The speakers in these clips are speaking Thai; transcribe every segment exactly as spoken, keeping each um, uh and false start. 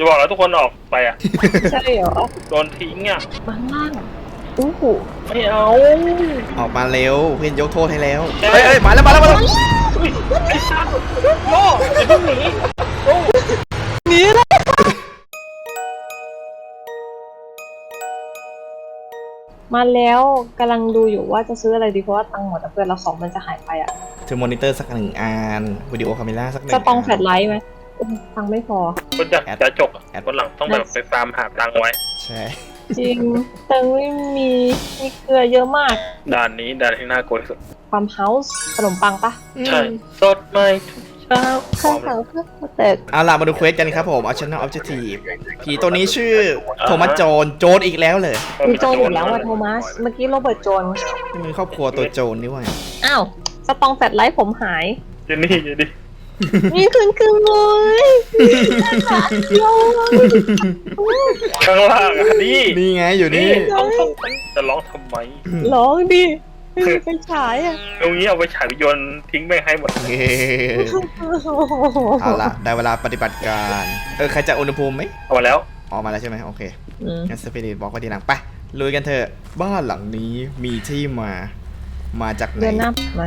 จะบอกแล้วทุกคนออกไปอ่ะใช่เหรอโดนทิ้งอ่ะบางล่างอู้หูไม่เอาออกมาเร็วเพื่อนยกโทษให้แล้วเฮ้ยเฮ้ยมาแล้วมาแล้วมาแล้วอุ้ยไอ้สัตว์โง่อย่าเพิ่งหนีโง่หนีเลยมาแล้วกำลังดูอยู่ว่าจะซื้ออะไรดีเพราะว่าตังค์หมดแล้วเพื่อนเราของมันจะหายไปอ่ะเธอมอนิเตอร์สักหนึ่งอันวิดีโอคาเมล่าสักหนึ่งจะต้องแฟลนชไลท์ไหมตังค์ไม่พอคนจะจะจกอ่ะคนหลังต้องแบบไปฟาร์มหาตังค์ไว้ใช่จริงตังค์ไม่มีมีเกลือเยอะมากด่านนี้ด่านที่น่ากลัวที่สุดฟาร์มเฮาส์ขนมปังปะใช่สดใหม่ทุกเช้าข้าวขาวเพื่อแต่เอาล่ะมาดูเควสกันครับผมเอาชนะออบเจกตีฟผีตัวนี้ชื่อโทมัสโจนโจนอีกแล้วเลยมีโจรอยู่แล้วอะโทมัสเมื่อกี้โรเบิร์ตโจรมีครอบครัวตัวโจรด้วยอ้าวสตองแฟลชไลท์ผมหายเจนนี่เจนนี่นี่คืนคืนเลยโยข้างล่างอ่ะนี่นี่ไงอยู่นี่ร้องทำไมจะร้องทำไมร้องดิไปฉายอ่ะตรงนี้เอาไปฉายวิญญาณทิ้งไปให้หมดเย้เอาล่ะได้เวลาปฏิบัติการเออใครจะอุณหภูมิไหมเอามาแล้วออกมาแล้วใช่ไหมโอเคงั้นสปิริตบอกไว้ทีหลังไปลุยกันเถอะบ้านหลังนี้มีที่มามาจากไหนเดินหน้ามา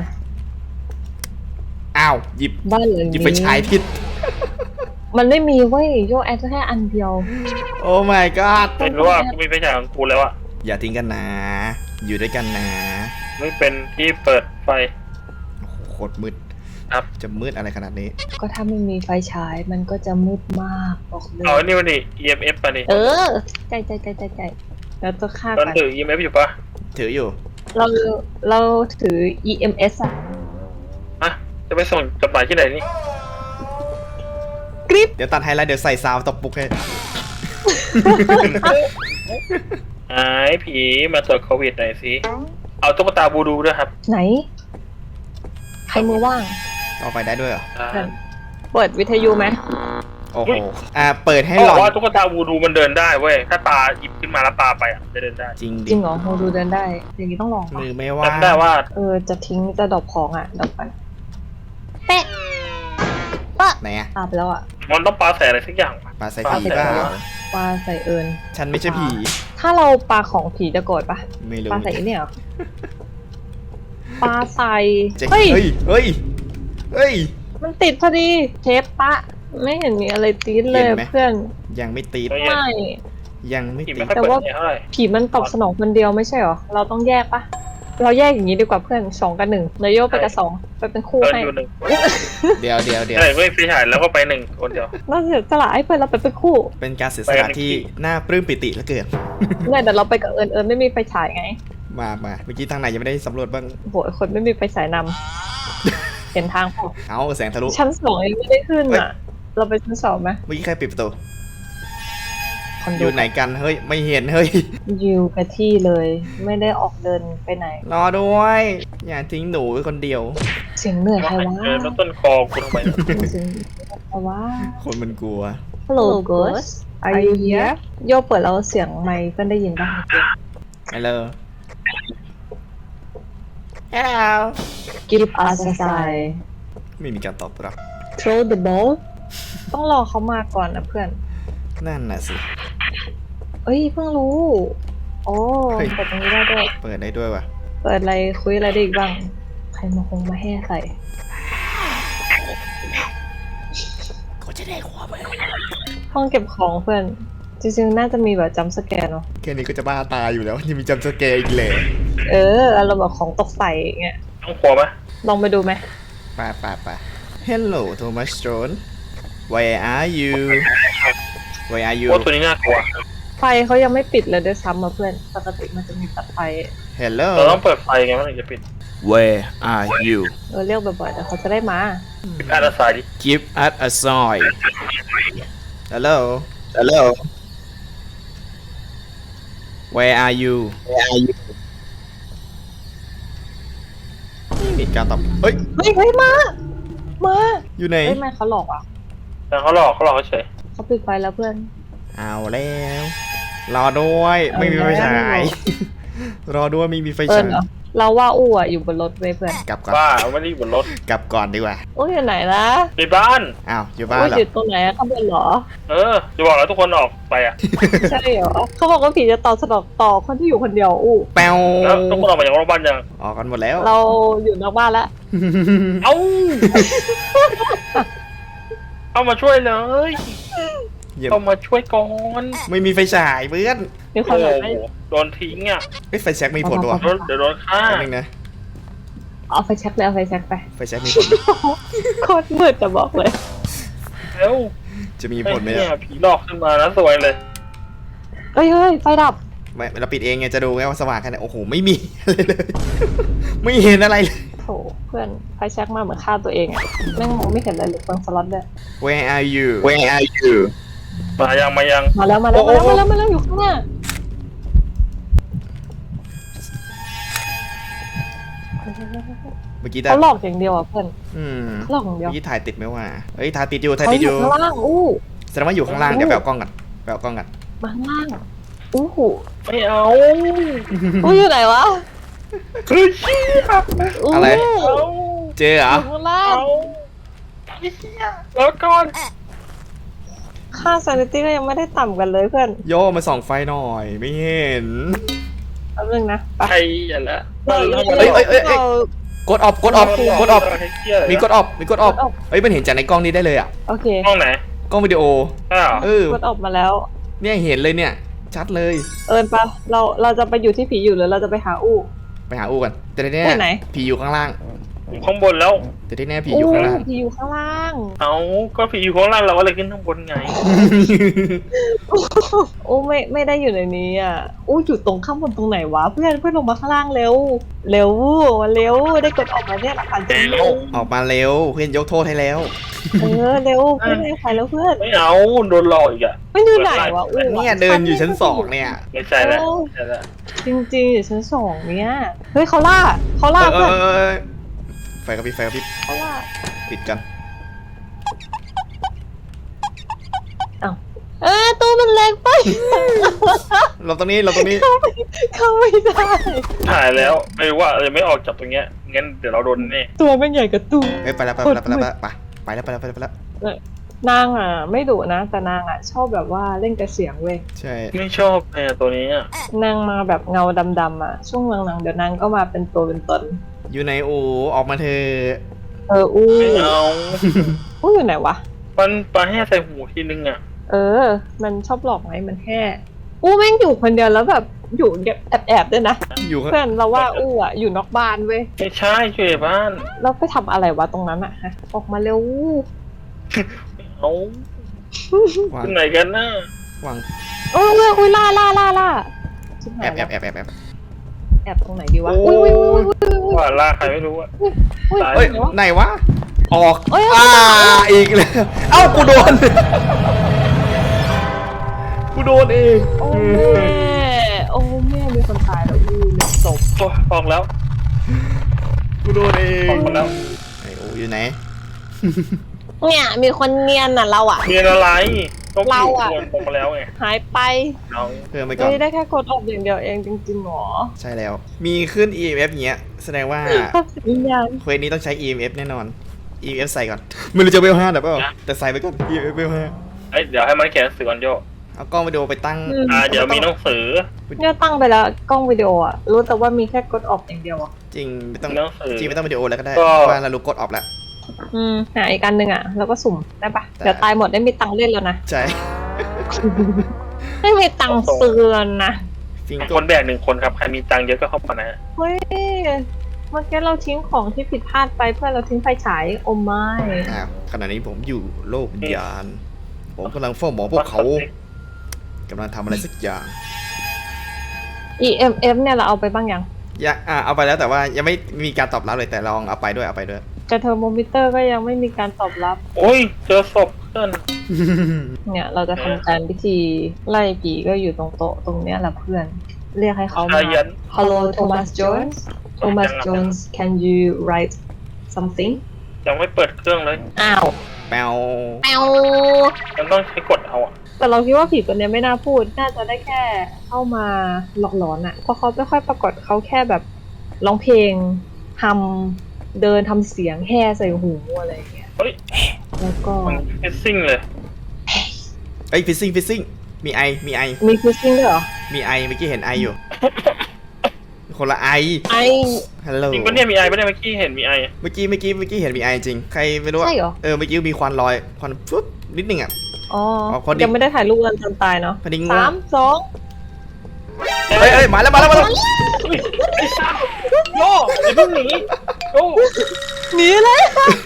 อ้าวหยิบบ้านหลังหยิบนี้ไปใช้ผิดมันไม่มีเว้ยโยแอดแค่อันเดียวโอ้ my god ไม่รู้ว่ากูมีไฟฉายของกูแล้วอะอย่าทิ้งกันนะ อยู่ด้วยกันนะไม่เป็นที่เปิดไฟโอ้โหโคตรมืดครับจะมืดอะไรขนาดนี้ก็ถ้าไม่มีไฟฉายมันก็จะมืดมากบอกเลยเอาอันนี้มาดิ อี เอ็ม เอฟ มาดิเออใจใจใจใจใจแล้วจะฆ่าตอนกันถือ อี เอ็ม เอฟ อยู่ปะถืออยู่เราเราถือ อี เอ็ม เอส อะฮะจะไปส่งจดหมายที่ไหนนี่กริปเดี๋ยวตัดไฮไลท์เดี๋ยวใส่ซาวด์ตบปุกให้หายผีมาตรวจโควิดหน่อยสิ เอาตุ๊กตาบูดูด้วยครับไหน ใครมือว่างต่อไปได้ด้วยเหรออ่าเปิดวิทยุไหมโอ้โห อ่า เปิดให้เขาหบลออกว่าน ตุ๊กตาบูดูมันเดินได้เว้ย ถ้าตาหยิบขึ้นมาแล้วตาไปอ่ะจะเดินได้จริงจดิริงเหรอโมดูเดินได้ อย่างนี้ต้องลองปะมือไม่ว่าจำได้ว่าเออ จะทิ้งจะดรอปของอ่ะดรอปกันเป๊ะปะไหนอะตามไปแล้วอ่ะมันต้องปาใส่อะไรสักอย่างว่ะปลาใส่ปลาผีใส่เปล่าหัวปลาใส่เอิญฉันไม่ใช่ผีถ้าเราปลาของผีจะโกรธปะไม่รู้ปลาใส่เนี่ยเหรอปลาใส่เจ๊เฮ้ยเฮ้ย เฮ้ย เฮ้ยมันติดพอดีเทปปะ ไม่เห็นมีอะไรตีดเลยเห็นไหมเพื่อนยังไม่ตีดไม่ไม่ยังไม่ผีตีไม่ดค่อยแต่เปิดว่าเนี่ยเท่าไหร่ผีมันตอบสนองคนเดียวไม่ใช่เหรอ เราต้องแยกปะ เราแยกอย่างนี้ดีกว่าเพื่อนสองกับหนึ่งนายโยกไปกับสองไปเป็นคู่เดินให้อยู่หนึ่งเดี๋ยวเดี๋ยวเดี๋ยวใช่เว้ยไฟฉายแล้วก็ไปหนึ่งคนเดียวเราเสียสละให้เพื่อนเราไปเป็นคู่เป็นการเสียสละที่น่าปลื้มปิติเหลือเกินเนี่ยเดี๋ยวเราไปกับเอิญเอิญไม่มีไฟฉายไงมามาเมื่อกี้ทางไหนยังไม่ได้สำรวจบ้างโหยคนไม่มีไฟฉายนำ เห็นทางพอเอาแสงทะลุชั้นสองยังไม่ได้ขึ้นอ่ะ เราไปชั้นสองไหมเมื่อกี้ใครปิดประตูคอนอโดยู่ไหนกัน เฮ้ย ไม่เห็น เฮ้ยอยู่กับที่เลย ไม่ได้ออกเดินไปไหนรอด้วย อย่าทิ้งหนูไว้คนเดียวเสียงเหนื่อยใครวะเออแล้วต้นคอกูทำไมเนี่ยเสียงใครวะคนมันกลัว Hello Ghost Are you here โยเปิดแล้วเสียงไมค์เพื่อนได้ยินป่ะฮัลโหล Hello Give us a sign ไม่มีการตอบรับ Throw the ball ต้องรอเขามาก่อนนะเพื่อนนั่นน่ะสิเอ้ยเพิ่งรู้ โอ้เฮ้ยเปิดตรงนี้ได้ด้วยเปิดได้ด้วยวะเปิดอะไรคุยอะไรได้อีกบ้าง ใครมาคงมาแห่ใส่ก็จะได้หัวไปห้องเก็บของเพื่อน จริงๆ น่าจะมีแบบจัมป์สแกนเนาะแค่นี้ก็จะบ้าตายอยู่แล้วยังมีจำสเกร์อีกเลยเอออารมณ์แบบของตกใส่อย่างเงี้ยต้องครัวไหมลองไปดูไหมไปไปไป Hello Thomas Jones Where are you Where are you โอ้ตัวนี้น่ากลัวไฟเขายังไม่ปิดเลยด้วยซ้ำมาเพื่อน ปกติมันจะมีตัดไฟ Hello เราต้องเปิดไฟไงมันถึงจะปิด Where are you เออเรียกบ่อยๆแต่เขาจะได้มาปิดอาร์ตสายดิ Give us a sign Hello Hello Where are you Where are you ไม่มีการตอบเฮ้ยเฮ้ยเฮ้ยมา มาอยู่ไหนเฮ้ยไม่เขาหลอกอ่ะแต่เขาหลอกเขาหลอกเฉยเขาปิดไฟแล้วเพื่อนเอาแล้ว รอด้วย ไม่มีไฟฉาย รอด้วยไม่มีไฟเอิฉาญยเหรอเราว่าอู้อ่ะอยู่บนรถเว้ยเพื่อนกลับก่อนบ้าไม่ได้อยู่บนรถกลับก่อนดีกว่าอู้อยู่ไหนนะในบ้านอ้าวอยู่บ้านอู้เหรออยู่ตรงไหนอะข้างบนเหรอเออจะบอกแล้วทุกคนออกไปอ่ะใช่เหรอเขาบอกว่าผีจะตอบสนองต่อคนที่อยู่คนเดียวอู้แปวแล้วทุกคนออกมาจากโรงพยาบาลยังออกกันหมดแล้วเราอยู่นอกบ้านแล้วเอ้าเอามาช่วยเลยเยี่ยมเอามาช่วยก่อนไม่มีไฟฉายเพื่อนมีคโอ้นโหแบบไม่โดนทิ้งอ่ะเอ้ยไฟแช็กมีผลด้วยโดนเดี๋ยวโดนฆ่าแป๊บนึงนะเอาไฟแช็กเลยเอาไฟแช็กไปไฟแช็กมีผลโคตรมืดจะบอกเลยแล้วจะมีไอ้ผลไหมเนี่เนี่ยยผีหลอกขึ้นมาแล้วสวยเลยเอ้ยเฮ้ยไฟดับไม่เราปิดเองไงจะดูไงว่าสว่างแค่ไหนโอ้โหไม่มีอะไรเลย ไม่เห็นอะไรเลยโถเพื่อนไฟแช็กมาเหมือนฆ่าตัวเองอะแม่งมองไม่เห็นอะไรเลยเปิงสล็อตด้วย Where are you Where are you? มายังมายังมาแล้วมาแล้วโอ้มาโอ้แล้วมาแล้วมาแล้วอยู่ข้างหน้าเมื่อกี้แต่เขาหลอกอย่างเดียวอ่ะเพื่อนอืมเขาหลอกอย่างเดียวเมื่อกี้ถ่ายติดไหมวะเอ้ยถ่ายติดอยู่ถ่ายเขาติดออยู่ ยู่ข้างล่างอู้แสดงว่าอยู่ข้างล่างเดี๋ยวไปเอากล้องกันไปเอากล้องกันมาข้างล่างอู้หูไม่เอาอู้อยู่ไหนวะคือเชี่ยอู้อะไรเอาเจอเหรออยู่ข้างล่างเอาเชี่ยแล้วก่อนค่าซานิตี้ก็ยังไม่ได้ต่ำกันเลยเพื่อนโยมาส่องไฟหน่อยไม่เห็นแป๊บนึงนะไปใครอย่าละเอ้ยเอ้ยเอ้ยเอ้ย กดออฟกดออฟกดออฟมีกดออฟมีกดออฟเอ้ยมันเห็นจากในกล้องนี้ได้เลยอ่ะโอเคห้องไหนกล้องวิดีโออ้าวเออกดออกมาแล้วเนี่ยเห็นเลยเนี่ย ชัดเลยเอิญปะเราเราจะไปอยู่ที่ผีอยู่หรือเราจะไปหาอู้ไปหาอูกันแต่ที่แน่ไปไหนผีอยู่ข้างล่างอยู่ข้างบนแล้วแต่ที่แน่ผีอยู่ข้างล่างผีอยู่ข้างล่างเอาก็ผีอยู่ข้างล่างเราก็เลยขึ้นข้างบนไงโอ้ไม่ไม่ได้อยู่ในนี้อ่ะอู้อยู่ตรงข้างบนตรงไหนวะเพื่อนเพื่อนลงมาข้างล่างเร็ว เร็วมาเร็วได้กดออกมาเนี่ยหลักฐานจริงเร็วออกมาเร็วเพื่อนยกโทษให้แล้วเออเร็วเพื่อนให้ใครแล้วเพื่อนไม่เอาโดนหลอกอีกอะมันอยู่ไหนวะอู้เนี่ยเดินอยู่ชั้นสองเนี่ยไม่ใช่แล้วไม่ใช่แล้วจริงๆอยู่ชั้นสองเนี่ยเฮ้ยเขาล่าเขาล่าเอเพื่อนอเออเออไฟกระพริบไฟกระพริบเขาล่าปิดกันเออตู้มันเล็กไปเราตรงนี้เราตรงนี้เข้าไม่ได้ถ่ายแล้วไม่รู้ว่าจะไม่ออกจากตรงเนี้ยงั้นเดี๋ยวเราโดนแน่ตัวมันใหญ่กับตู้เอ้ยไปแล้วไปแล้วไปแล้วไปแล้วไปแล้วไปแล้วไปแล้วไปแล้วนางอ่ะ ไม่ดุนะ แต่นางอ่ะ ชอบแบบว่าเล่นกระเสียงเว้ยใช่ไม่ชอบเลยอะตัวนี้อะนางมาแบบเงาดำๆอ่ะ ช่วงหลังๆเดี๋ยวนางก็มาเป็นตัวเป็นตนอยู่ในอูออกมาเธอะเอออู้ไม่เอาอู้อยู่ไหนวะมันปลาแห่ใส่หูทีนึงอะเออ มันชอบหลอกไหมมันแค่อู้แม่งอยู่คนเดียวแล้วแบบอยู่แอบๆด้วยนะอยู่ข้างเพื่อนเราว่าอู้อ่ะอยู่นอกบ้านเว้ยไม่ใช่ช่วยบ้านเราไปทำอะไรวะตรงนั้นอ่ะฮะออกมาเร็วเอาวางที่ไหนกันนะวางเออเอออุ้ยล่าล่าล่าล่าชิบหาแอย บแอบแอบแอบแอบแอบตรงไหนดีวะอุ้ยอุ้ยอุ้ยอุ้ยอุ้ยว่าล่าใครไม่รู้อะอุ้ยเอ้ยไหนวะไหนวะออกเอ้ยอ่าอีกแล้วเอ้ากูโดนกูโดนเองโอ้แม่โอ้แม่มีคนตายแล้วอู้หนึ่งศพโอ้ยออกแล้วกูโดนเองออกมาแล้วไอโออยู่ไหนเนี่ยมีคนเนียนน่ะเราอ่ะเรียนอะไรต้องเราอะโดนออกมาแล้วไงหายไปเอาเพิ่มไปก่อนเฮ้ยได้แค่กดออกอย่างเดียวเองจริงๆหรอใช่แล้ว มีขึ้น อี เอ็ม เอฟ เงี้ยแสดงว่าภาพสัญญาณเควสนี้ต้องใช้ อี เอ็ม เอฟ แน่นอน อี เอ็ม เอฟ ใส่ก่อนไม่รู้จะเวลห้าหรือเปล่าแต่ใส่ไปก่อน อี เอ็ม เอฟ เวลห้าเอ้ยเดี๋ยวให้มันเขียนหนังสือก่อนโยเอากล้องวิดีโอไปตั้งอ่าเดี๋ยวมีหนังสือเนี่ยตั้งไปแล้วกล้องวิดีโออ่ะรู้แต่ว่ามีแค่กดออกอย่างเดียวอ่ะจริงไม่ต้องมีหนังสือจริงไม่ต้องวิดีโอแล้วก็ได้ก็เพราะว่าเรารู้กดออฟแล้วอืมหาอีกอันหนึ่งอ่ะแล้วก็สุ่มได้ปะได้เดี๋ยวตายหมดได้มีตังค์เล่นแล้วนะใช่ไม่มีตังค์เตือนนะฟิงคโก้นแบกหนึ่งคนครับใครมีตังค์เยอะก็เข้ามานะเฮ้ยเมื่อกี้เราทิ้งของที่ผิดพลาดไปเพื่อเราทิ้งไฟฉายโอ้ไม่อ้าวขณะนี้ผมอยู่โลกวิญญาณ ผมกำลังเฝ้ามองพวกเขากำลังทำอะไรสักอย่างอี เอ็ม เอฟ เนี่ยเราเอาไปบ้างยังอยากอ่าเอาไปแล้วแต่ว่ายังไม่มีการตอบรับเลยแต่ลองเอาไปด้วยเอาไปด้วยแต่เทอร์โมมิเตอร์ก็ยังไม่มีการตอบรับโอ้ยเจอศพเพื่อนเนี่ยเราจะทำการพิธีไล่ผีก็อยู่ตรงโต๊ะตรงเนี้ยแหละเพื่อน เรียกให้เขาชามายัน Hello Thomas Jones Thomas Jones can you write something ยังไม่เปิดเครื่องเลยอ้าวแปวแปวมันต้องใช้กดเอาอะแต่เราคิดว่าผีตัวเนี้ยไม่น่าพูด น่าจะได้แค่เข้ามาหลอกหลอนอะเพราะเขาไม่ค่อยปรากฏเขาแค่แบบร้องเพลงทำเดินทำเสียงแห่ใส่หูอะไรอย่างเงี้ยเฮ้ยแล้วก็มันฟิซซิ่งเลยเอ้ยฟิซซิ่งฟิซซิ่งมีไอมีไอมีฟิชชิ่งด้วยเหรอมีไอเมื่อกี้เห็นไออยู่ คนละไอไอฮัลโหลจริงปะเนี่ยมีไอปะเนี่ยเมื่อกี้เห็นมีไอเมื่อกี้เมื่อกี้เมื่อกี้เห็นมีไอจริงใครไม่รู้อะใช่เหรอเออเมื่อกี้มีควันลอยควันฟุ๊บนิดนึงอ่ะอ๋ออ๋อพอดียังไม่ได้ถ่ายรูปกันจนตายเนาะพอดีง่วงสามสองเฮ้ยเฮ้ยมาแล้วมาแล้วมาแล้วไอ้สัสโย่อย่าเพิ่งหนีโย่หนีเลย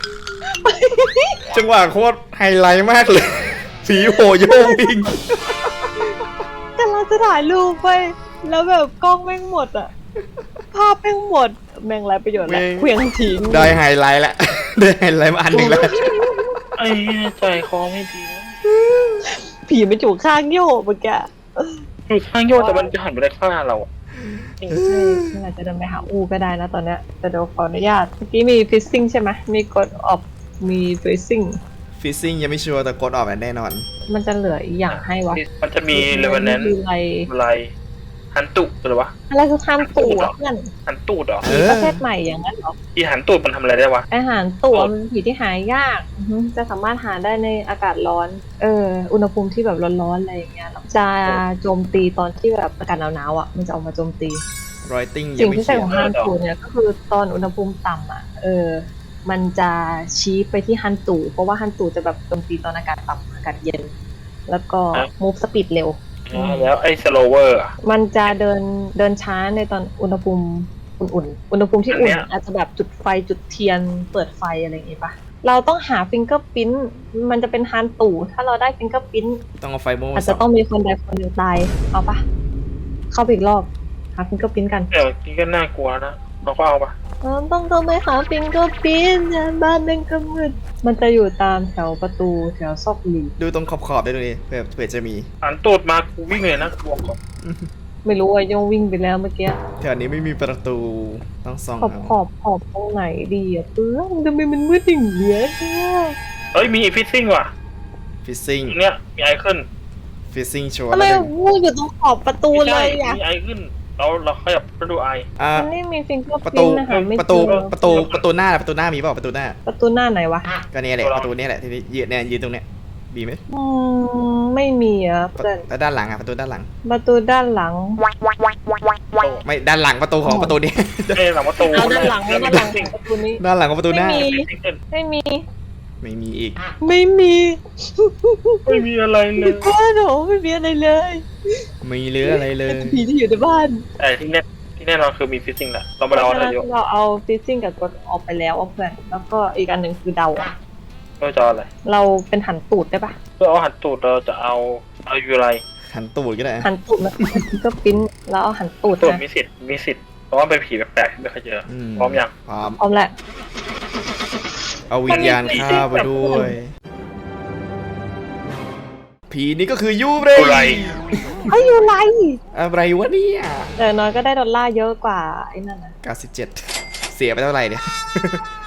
จังหวะโคตรไฮไลท์มากเลย ผีโหโยงวิ่งแต่เราจะถ่ายรูปไปแล้วแบบกล้องแม่งหมดอะภาพแม่งหมดแม่งไรประโยชน์แล้วเควียงทิ้งได้ไฮไลท์ละ ได้ไฮไลท์มาอันหนึ่งแล้วไอ้ใจคอไม่ดีนะผีมันอยู่ข้างโยกเมื่อกี้อยู่ข้างโย่แต่มันจะหันไปได้ข้างเราอะใช่นี่อาจจะเดินไปหาอูก็ได้นะตอนเนี้ยแต่เดี๋ยวขออนุญาตเมื่อกี้มีฟิซซิ่งใช่ไหมมีกดออฟมีฟิซซิ่งฟิซซิ่งยังไม่ชัวร์แต่กดออกแน่นอนมันจะเหลืออีกอย่างให้วะมันจะมีเลเวนแนนคืออะไรอะไรหันตุหรือวะอะไรคือข้ามตู่อะเพื่อนหันตูดเหรอเอผีอประเภทใหม่อย่างนั้นเหรอที่หันตูดมันทำอะไรได้วะอาหารตู่มันเป็นผีที่หายากอือฮึจะสามารถหาได้ในอากาศร้อน เออ อุณหภูมิที่แบบร้อนๆอะไรอย่างเงี้ยจะโจมตีตอนที่แบบอากาศหนาวๆอ่ะมันจะออกมาโจมตีรอยติ้งยัสิ่งงไม่ที่ใส่เขียขนองฮันตูเนี่ยก็คือตอนอุณหภูมิต่ำอ่ะ เออ มันจะชี้ไปที่ฮันตูเพราะว่าฮันตูจะแบบโจมตีตอนอากาศต่ำอากาศเย็น แล้วก็ move speed เร็วอ๋อแล้วไอ้สโลเวอร์อะมันจะเดินเดินช้าในตอนอุณหภูมิอุ่นๆ อุณหภูมิที่อุ่นอันเนี้ยอาจจะแบบจุดไฟจุดเทียนเปิดไฟอะไรอย่างงี้ปะเราต้องหาฟิงเกอร์พิ้นมันจะเป็นฮันตูถ้าเราได้ฟิงเกอร์พิ้นต้องเอาไฟโม่อาจสจะองต้องมีคนใดคนหนึ่งตาย เอาปะเข้าไปอีกรอบ หาฟิงเกอร์พิ้นกันเดี๋ยวนี้ก็น่ากลัวนะเราก็เอาปะเราต้องต้องไปหาฟิงเกอร์พิ้นบ้านแม่งก็มืด มันจะอยู่ตามแถวประตูแถวซอกหลีดูตรงขอบขอบๆได้ดูดิเผื่อเผื่อจะมีหันตูดมากูวิ่งเลยนะกลัวก่อนไม่รู้ว่าโยงวิ่งไปแล้วเมื่อกี้แถวนี้ไม่มีประตูต้องส่องขอบเอาขอบขอบตรงไหนดีอะเพื่อนทำไมมันมืดอย่างเงี้ยเฮ้ยมีฟิซซิ่งว่ะฟิซซิ่งเนี่ยมีไอขึ้นฟิซซิ่งชัวร์ทำไมแล้วหนึ่งวูอยู่ตรงขอบประตูไม่เลใช่ยอะมีไอขึ้นเราเราขยับไปดูไออ่ามันไม่มีฟิงเกอร์ประพิตูนนะคะไม่ประตูเจอประตูประตูหน้าประตูหน้ามีเปล่าประตูหน้าประตูหน้าไหนวะก็เนี่ยแหละประตูเนี่ยแหละที่ยืนเนี่ยยืนตรงเนี้ยมีไหมอืมไม่มีอะประเพื่อนแล้วด้านหลังอ่ะประตูด้านหลังประตูด้านหลังไม่ด้านหลังประตูของประตูนี้เอ้ยหลังประตูเอาด้านหลังแล้วด้านหลังฟิซซิ่งประตูนี้ด้านหลังของประตูหน้าไม่มีฟิซซิ่งขึ้นไม่มีไม่มีอีกไม่มีไม่มีอะไรเลยบ้านหนูไม่มีอะไรเลยไม่เหลืออะไรเลยเป็นผีที่อยู่ในบ้านแต่ที่แน่ที่แน่นอนคือมีฟิซซิ่งแหละเรามาเอาอะไรอยู่เราเอาฟิซซิ่งกับกดออกไปแล้วอะเพื่อนแล้วก็อีกอันหนึ่งคือเดาอะเราจะเอาอะไรเราเป็นหันตูดได้ปะเพื่อเอาหันตูดเราจะเอาเอาอยู่อะไรหันตูดก็ได้หันตูดมันก็ปิ้นแล้วเอาหันตูดตูดนะมีสิทธิ์มีสิทธิ์เพราะว่าเป็นผีแปลกๆที่ไม่เคยเจอมพร้อมยังพร้อมพร้อมแหละเอาวิญญาณข้าไปด้วย ผีนี่ก็คือยูเรอะไรเอ้ยอยู่ไรอะไรวะเนี่ยแต่น้อยก็ได้ดอลลาร์เยอะกว่าไอ้นั่นนะเก้าสิบเจ็ดเสียไปเท่าไหร่เนี่ย